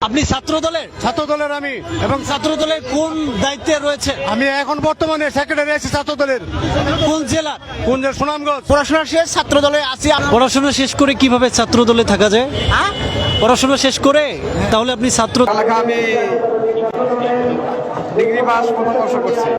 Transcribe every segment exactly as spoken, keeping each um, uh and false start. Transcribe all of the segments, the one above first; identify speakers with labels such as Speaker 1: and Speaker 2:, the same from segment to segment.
Speaker 1: আপনি ছাত্র দলের
Speaker 2: ছাত্র দলের আমি
Speaker 1: এবং ছাত্র দলের কোন দায়িত্বে রয়েছে?
Speaker 2: আমি এখন বর্তমানে সেক্রেটারি আছি ছাত্র দলের।
Speaker 1: কোন জেলার?
Speaker 2: কোন যে সুনামগঞ্জ।
Speaker 3: পড়াশোনা শেষ, ছাত্র দলে আছি।
Speaker 1: পড়াশোনা শেষ করে কিভাবে ছাত্র দলে থাকা যায়? পড়াশোনা শেষ করে তাহলে আপনি ছাত্র
Speaker 2: আমি ডিগ্রি পাস প্রথম বর্ষ করছি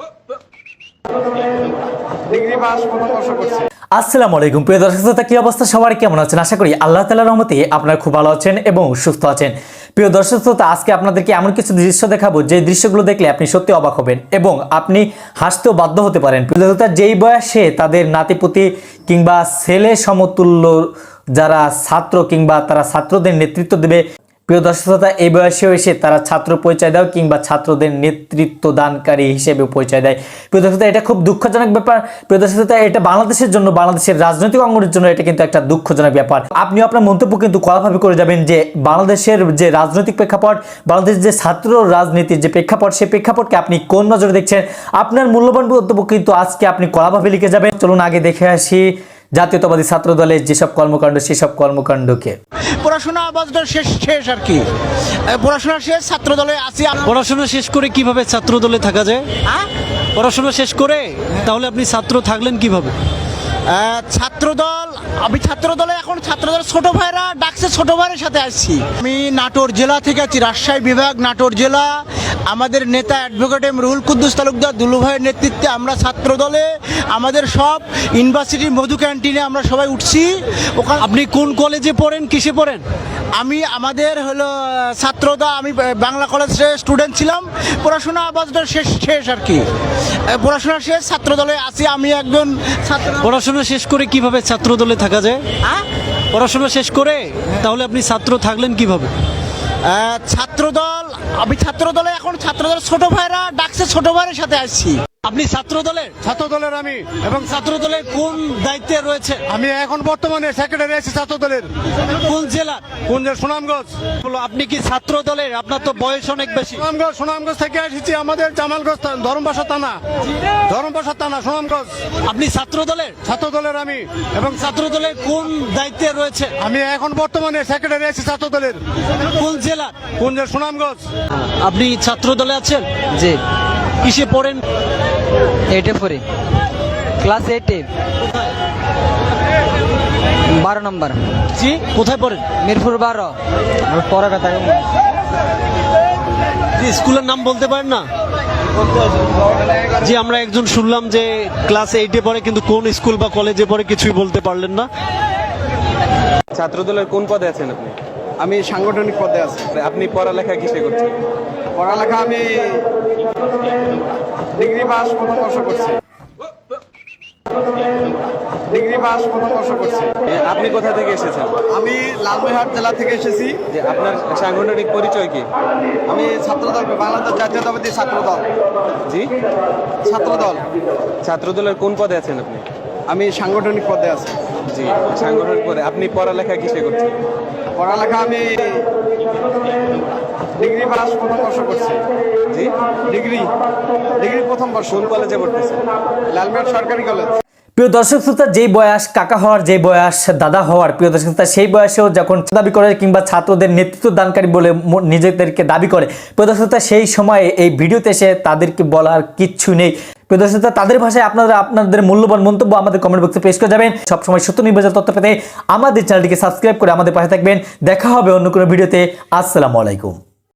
Speaker 2: ডিগ্রি পাস প্রথম বর্ষ করছি
Speaker 4: আসসালামু আলাইকুম প্রিয় দর্শক শ্রোতা, কি অবস্থা সবার, কেমন আছেন? আশা করি আল্লাহ তাআলার রহমতে আপনারা খুব ভালো আছেন এবং সুস্থ আছেন। প্রিয় দর্শক শ্রোতা, আজকে আপনাদেরকে এমন কিছু দৃশ্য দেখাবো যে দৃশ্যগুলো দেখলে আপনি সত্যি অবাক হবেন এবং আপনি হাসতেও বাধ্য হতে পারেন। প্রিয় দর্শক শ্রোতা, যেই বয়সে তাদের নাতিপুতি কিংবা ছেলে সমতুল্য যারা ছাত্র কিংবা তারা ছাত্রদের নেতৃত্ব দেবে, প্রিয় দর্শক শ্রোতা, এই বয়সেও এসে তারা ছাত্র পরিচয় দেয় কিংবা ছাত্রদের নেতৃত্ব দানকারী হিসেবে পরিচয় দেয়। প্রিয় দর্শক শ্রোতা, এটা খুব দুঃখজনক ব্যাপার। প্রিয় দর্শক শ্রোতা, এটা বাংলাদেশের জন্য, বাংলাদেশের রাজনৈতিক অঙ্গনের জন্য এটা কিন্তু একটা দুঃখজনক ব্যাপার। আপনি আপনার মন্তব্য কিন্তু কড়াভাবে করে যাবেন যে বাংলাদেশের যে রাজনৈতিক প্রেক্ষাপট, বাংলাদেশের যে ছাত্র রাজনীতির যে প্রেক্ষাপট, সেই প্রেক্ষাপটকে আপনি কোন নজরে দেখছেন, আপনার মূল্যবান মন্তব্য কিন্তু আজকে আপনি কড়াভাবে লিখে যাবেন। চলুন আগে দেখে আসি জাতীয়তাবাদী ছাত্র দলের যেসব কর্মকাণ্ড, সেসব কর্মকাণ্ডকে।
Speaker 3: পড়াশোনা আপাতত শেষ শেষ আর কি। পড়াশোনা শেষ, ছাত্র দলে আছি।
Speaker 1: পড়াশোনা শেষ করে কিভাবে ছাত্র দলে থাকা যায়? পড়াশোনা শেষ করে তাহলে আপনি ছাত্র থাকলেন কিভাবে?
Speaker 3: ছাত্র দল, আমি ছাত্র দলে এখন ছাত্র দল ছোট ভাইরা ডাকছে, ছোট ভাইয়ের সাথে আসছি। আমি নাটোর জেলা থেকে আছি, রাজশাহী বিভাগ, নাটোর জেলা। আমাদের নেতা অ্যাডভোকেট এম রুহুল কুদ্দুস তালুকদার দুলু ভাইয়ের নেতৃত্বে আমরা ছাত্র দলে আমাদের সব ইউনিভার্সিটির মধু ক্যান্টিনে আমরা সবাই উঠছি। ওখানে
Speaker 1: আপনি কোন কলেজে পড়েন, কিসে পড়েন?
Speaker 3: আমি আমাদের হলো ছাত্রদা, আমি বাংলা কলেজে স্টুডেন্ট ছিলাম। পড়াশোনা আপাতত শেষ শেষ আর কি। পড়াশোনা শেষ, ছাত্র দলে আছি। আমি একজন ছাত্র।
Speaker 1: পড়াশোনা শেষ করে কিভাবে ছাত্র দলে থাকা যায়? পড়াশোনা শেষ করে তাহলে আপনি ছাত্র থাকলেন কিভাবে?
Speaker 3: ছাত্র দল, আমি ছাত্র দলে এখন ছাত্র দল ছোট ভাইরা ডাকছে, ছোট ভাইয়ের সাথে আসছি।
Speaker 1: আপনি ছাত্র দলের
Speaker 2: ছাত্র দলের আমি
Speaker 1: এবং ছাত্র দলের কোন দায়িত্বে রয়েছে?
Speaker 2: আমি এখন বর্তমানে সেক্রেটারি আছি ছাত্র দলের।
Speaker 1: কোন জেলার?
Speaker 2: কোন যে সুনামগঞ্জ।
Speaker 1: আপনি কি ছাত্র দলের? আপনার তো বয়স অনেক বেশি।
Speaker 2: সুনামগঞ্জ সুনামগঞ্জ থেকে এসেছি, আমাদের জামালগঞ্জ ধর্মপাশা থানা, ধর্মপাশা থানা সুনামগঞ্জ।
Speaker 1: আপনি ছাত্র দলের
Speaker 2: ছাত্র দলের আমি
Speaker 1: এবং ছাত্র দলের কোন দায়িত্বে রয়েছে?
Speaker 2: আমি এখন বর্তমানে সেক্রেটারি আছি ছাত্র দলের।
Speaker 1: কোন জেলার?
Speaker 2: কোন যে সুনামগঞ্জ।
Speaker 1: আপনি ছাত্র দলে আছেন?
Speaker 5: জি।
Speaker 1: কিসে পড়েন?
Speaker 5: এইটে পড়ি, ক্লাস এইটে, বারো নম্বর।
Speaker 1: জি, কোথায় পড়েন?
Speaker 5: মিরপুর বারো। পরে কথা
Speaker 1: জি, স্কুলের নাম বলতে পারেন না? জি, আমরা একজন শুনলাম যে ক্লাস এইটে পড়ে, কিন্তু কোন স্কুল বা কলেজে পড়ে কিছুই বলতে পারলেন না।
Speaker 6: ছাত্র দলের কোন পদে আছেন আপনি?
Speaker 2: আমি সাংগঠনিক পদে আছি।
Speaker 6: আপনি পড়ালেখা কিসে করছেন?
Speaker 2: পড়ালেখা আমি ডিগ্রি পাস প্রথম বর্ষ করছি ডিগ্রি পাস প্রথম বর্ষ করছি
Speaker 6: আপনি কোথা থেকে এসেছেন?
Speaker 2: আমি লালমনিরহাট জেলা থেকে এসেছি।
Speaker 6: যে আপনার সাংগঠনিক পরিচয় কি?
Speaker 2: আমি ছাত্র দল, বাংলাদেশ জাতীয়তাবাদী ছাত্র দল।
Speaker 6: জি,
Speaker 2: ছাত্র দল।
Speaker 6: ছাত্র দলের কোন পদে আছেন আপনি?
Speaker 2: আমি সাংগঠনিক পদে আছি।
Speaker 6: জি, সাংগঠনিক পদে। আপনি পড়ালেখা কিসে করছেন?
Speaker 2: পড়ালেখা আমি ডিগ্রি পাস প্রথম বর্ষ করছি।
Speaker 6: জি,
Speaker 2: ডিগ্রি ডিগ্রি প্রথম বর্ষ।
Speaker 6: কোন কলেজে পড়তেছেন?
Speaker 2: লালমনিরহাট সরকারি কলেজ।
Speaker 4: প্রিয় দর্শক শ্রোতা, যেই বয়স কাকা হওয়ার, যে বয়স দাদা হওয়ার, প্রিয় দর্শক শ্রোতা, সেই বয়সেও যখন দাবি করে কিংবা ছাত্রদের নেতৃত্ব দানকারী বলে নিজেদেরকে দাবি করে, প্রিয় দর্শক শ্রোতা, সেই সময়ে এই ভিডিওতে এসে তাদেরকে বলার কিচ্ছু নেই। প্রিয় দর্শক শ্রোতা, তাদের ভাষায় আপনারা আপনাদের মূল্যবান মন্তব্য আমাদের কমেন্ট বক্সে পেশ করে যাবেন। সবসময় সত্য নির্বাচন তথ্য পেতে আমাদের চ্যানেলটিকে সাবস্ক্রাইব করে আমাদের পাশে থাকবেন। দেখা হবে অন্য কোনো ভিডিওতে। আসসালামু আলাইকুম।